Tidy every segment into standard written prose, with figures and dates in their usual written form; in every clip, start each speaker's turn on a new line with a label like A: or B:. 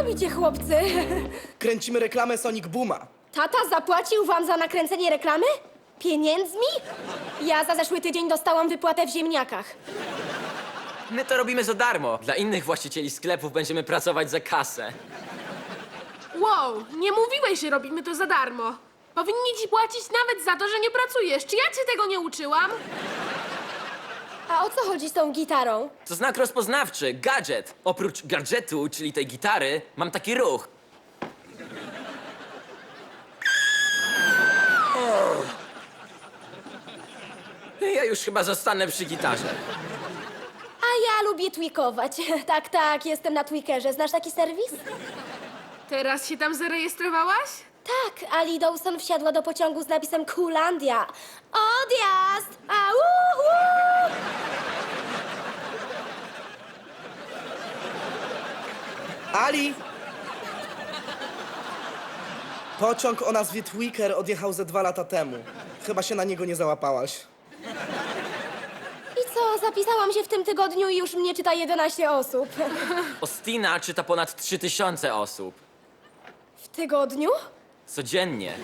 A: robicie, chłopcy?
B: Kręcimy reklamę Sonic Booma.
A: Tata zapłacił wam za nakręcenie reklamy? Pieniędzmi? Ja za zeszły tydzień dostałam wypłatę w ziemniakach.
C: My to robimy za darmo. Dla innych właścicieli sklepów będziemy pracować za kasę.
D: Wow, nie mówiłeś, że robimy to za darmo. Powinni ci płacić nawet za to, że nie pracujesz. Czy ja cię tego nie uczyłam?
A: A o co chodzi z tą gitarą?
C: To znak rozpoznawczy, gadżet. Oprócz gadżetu, czyli tej gitary, mam taki ruch. Ja już chyba zostanę przy gitarze.
A: A ja lubię tweakować. Tak, jestem na Tweakerze. Znasz taki serwis?
D: Teraz się tam zarejestrowałaś?
A: Tak, Ali Dawson wsiadła do pociągu z napisem Kulandia. Odjazd! Au!
B: Ali! Pociąg o nazwie Tweaker odjechał ze 2 lata temu. Chyba się na niego nie załapałaś.
A: I co, zapisałam się w tym tygodniu i już mnie czyta 11 osób.
C: Ostina czyta ponad 3000 osób.
A: W tygodniu?
C: Codziennie.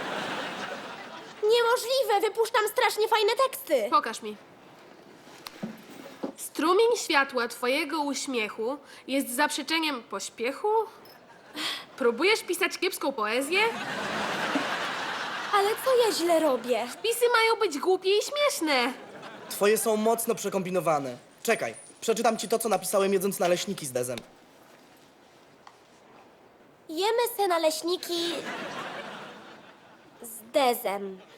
A: Niemożliwe, wypuszczam strasznie fajne teksty.
D: Pokaż mi. Strumień światła twojego uśmiechu jest zaprzeczeniem pośpiechu? Próbujesz pisać kiepską poezję?
A: Ale co ja źle robię?
D: Pisy mają być głupie i śmieszne.
B: Twoje są mocno przekombinowane. Czekaj, przeczytam ci to, co napisałem jedząc naleśniki z Dezem.
A: Jemy se naleśniki z Dezem.